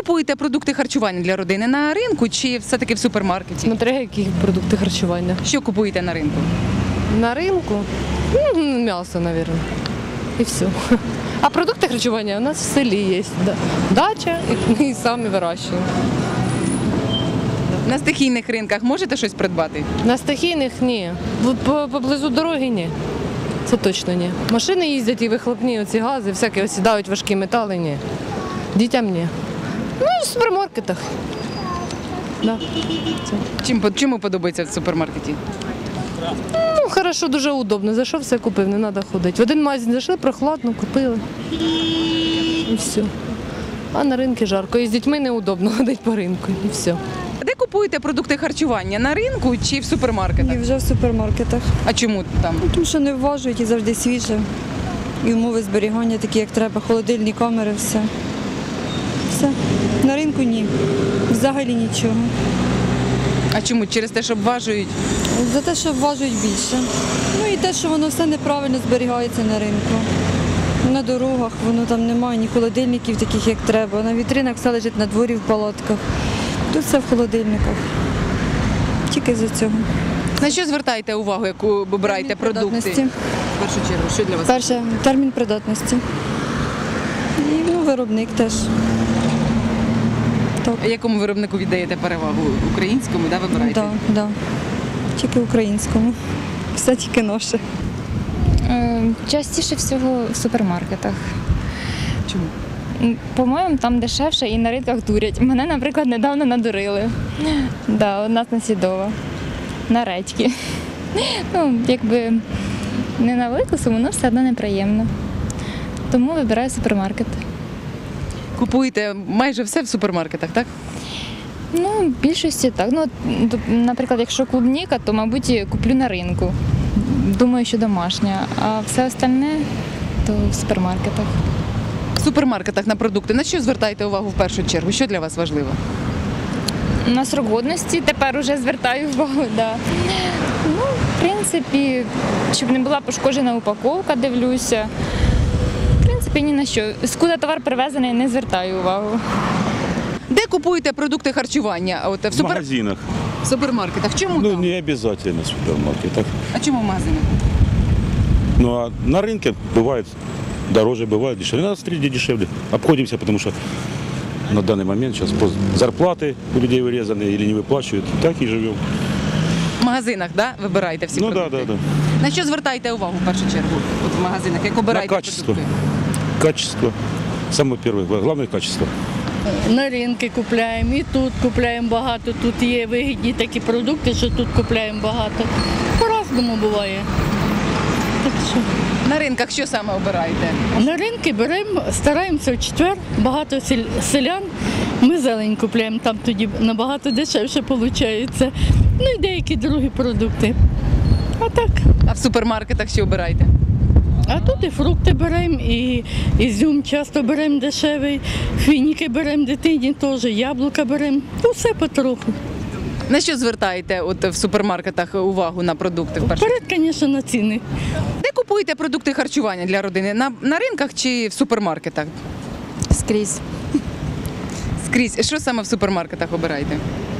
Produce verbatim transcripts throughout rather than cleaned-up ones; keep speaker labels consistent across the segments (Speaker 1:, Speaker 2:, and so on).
Speaker 1: купуєте продукти харчування для родини? На ринку чи все-таки в супермаркеті?
Speaker 2: Смотря які продукти харчування.
Speaker 1: Що купуєте на ринку?
Speaker 2: На ринку ну, м'ясо, мабуть. І все. А продукти харчування у нас в селі є. Да. Дача і, і самі вирощуємо.
Speaker 1: На стихійних ринках можете щось придбати?
Speaker 2: На стихійних ні. По- Поблизу дороги ні. Це точно ні. Машини їздять і вихлопні оці гази, всякі осідають важкі метали, ні. Дітям ні. Ну, в супермаркетах. Да. Це.
Speaker 1: Чим, чому подобається в супермаркеті?
Speaker 2: Ну, хорошо, дуже удобно. Зайшов, все купив, не треба ходити. В один магазин зайшли, прохладно, купили. І все. А на ринку жарко. І з дітьми неудобно ходити по ринку. І все.
Speaker 1: Де купуєте продукти харчування? На ринку чи в супермаркетах?
Speaker 3: І вже в супермаркетах.
Speaker 1: А чому там?
Speaker 3: Тому що не вважують і завжди свіже. І умови зберігання такі, як треба, холодильні камери, все. Все. На ринку ні. Взагалі нічого.
Speaker 1: А чому? Через те, що обважують?
Speaker 3: За те, що вважують більше. Ну і те, що воно все неправильно зберігається на ринку. На дорогах воно там немає ні холодильників таких, як треба. На вітринах все лежить на дворі в палатках. Тут все в холодильниках. Тільки за цього.
Speaker 1: На що звертаєте увагу, яку обираєте
Speaker 3: Термін
Speaker 1: продукти?
Speaker 3: придатності.
Speaker 1: В першу чергу, що для вас?
Speaker 3: Перше, термін придатності. І ну, виробник теж. Так.
Speaker 1: А якому виробнику віддаєте перевагу? Українському, да, вибираєте?
Speaker 3: Так, да, да. Тільки українському. Все тільки наше.
Speaker 4: Е, Частіше всього в супермаркетах.
Speaker 1: Чому?
Speaker 4: М, По-моєму, там дешевше і на ринках дурять. Мене, наприклад, недавно надурили. Да, одна Сідова. На редьки. Ну, якби не на велику суму, але все одно неприємно. Тому вибираю супермаркет.
Speaker 1: Купуєте майже все в супермаркетах, так?
Speaker 4: Ну, в більшості так. Ну, от, д- наприклад, якщо клубніка, то, мабуть, куплю на ринку. Думаю, що домашня. А все остальне то в супермаркетах.
Speaker 1: В супермаркетах на продукти. На що звертаєте увагу в першу чергу? Що для вас важливо?
Speaker 4: На срок годності тепер уже звертаю увагу, да. Ну, в принципі, щоб не була пошкоджена упаковка, дивлюся. В принципі, ні на що. Скуда товар привезений, не звертаю увагу.
Speaker 1: Де купуєте продукти харчування? От, в,
Speaker 5: В
Speaker 1: супер...
Speaker 5: магазинах.
Speaker 1: в супермаркетах. Чому
Speaker 5: Ну,
Speaker 1: там?
Speaker 5: не обязательно в супермаркетах.
Speaker 1: А чому в магазинах?
Speaker 5: Ну, а на рынке бывает дороже, бывает дешевле. У нас среди дешевле. Обходимся, потому что на данный момент сейчас зарплаты у людей вырезаны или не выплачивают. Так и живем.
Speaker 1: В магазинах, да? Вибираєте всі
Speaker 5: Ну да,
Speaker 1: продукти?
Speaker 5: да, да.
Speaker 1: На що звертаєте увагу в першу чергу? От в магазинах, як
Speaker 5: На
Speaker 1: обираєте
Speaker 5: качество.
Speaker 1: продукти?
Speaker 5: Качество. Самое первое, главное качество.
Speaker 6: На ринки купляємо і тут купляємо багато. Тут є вигідні такі продукти, що тут купляємо багато. По-разному буває. Так що
Speaker 1: На ринках що саме обираєте?
Speaker 6: на ринки беремо, стараємося в четвер, багато сель- селян. Ми зелень купляємо, там тоді набагато дешевше виходить. Ну і деякі другі продукти. А так.
Speaker 1: А в супермаркетах що обираєте?
Speaker 6: А тут і фрукти беремо, і ізюм часто беремо дешевий, фініки беремо дитині теж, яблука беремо. Ну, все потроху.
Speaker 1: На що звертаєте от в супермаркетах увагу на продукти? В першу?
Speaker 6: Вперед, звісно, на ціни.
Speaker 1: Де купуєте продукти харчування для родини? На, на ринках чи в супермаркетах?
Speaker 3: Скрізь.
Speaker 1: Скрізь. Що саме в супермаркетах обираєте?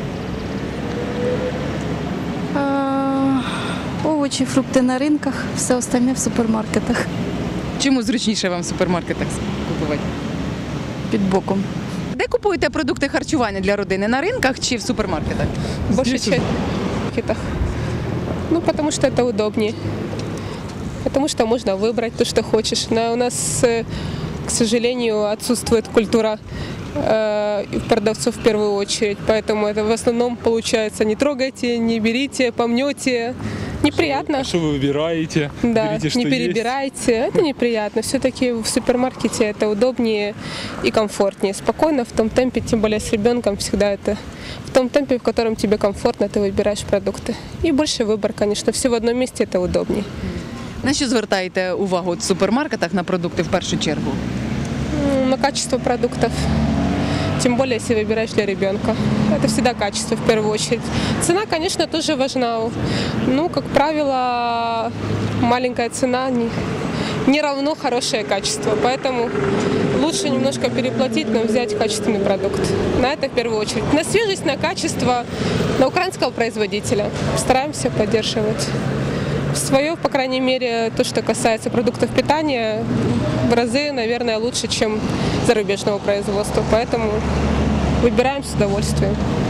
Speaker 7: А, овочі, фрукти на ринках, все остальне в супермаркетах
Speaker 1: Чому зручніше вам в супермаркетах купувати?
Speaker 7: під боком.
Speaker 1: Де купуєте продукти харчування для родини? На ринках чи в супермаркетах?
Speaker 8: Большая часть в маркетах. Ну, потому что это удобнее. Потому что можно выбрать то, что хочешь. Но у нас, э, к сожалению, отсутствует культура э, продавцов в первую очередь. Поэтому это в основном получается: не трогайте, не берите, помнете. Неприятно.
Speaker 9: Что вы выбираете?
Speaker 8: Да,
Speaker 9: Берите, что
Speaker 8: не перебирайте. Это неприятно. Все-таки в супермаркете это удобнее и комфортнее. Спокойно, в том темпе, тем более с ребенком, всегда это в том темпе, в котором тебе комфортно, ты выбираешь продукты. И больше выбор, конечно. Все в одном месте это удобнее.
Speaker 1: На що звертаєте увагу от в супермаркетах на продукти в першу чергу?
Speaker 8: М, На качество продуктов. Тем более, если выбираешь для ребенка. Это всегда качество в первую очередь. Цена, конечно, тоже важна. Ну, как правило, маленькая цена не, не равно хорошее качество. Поэтому лучше немножко переплатить, но взять качественный продукт. На это в первую очередь. На свежесть, на качество, на украинского производителя. Стараемся поддерживать. Свое, по крайней мере, то, что касается продуктов питания, в разы, наверное, лучше, чем зарубежного производства. Поэтому выбираем с удовольствием.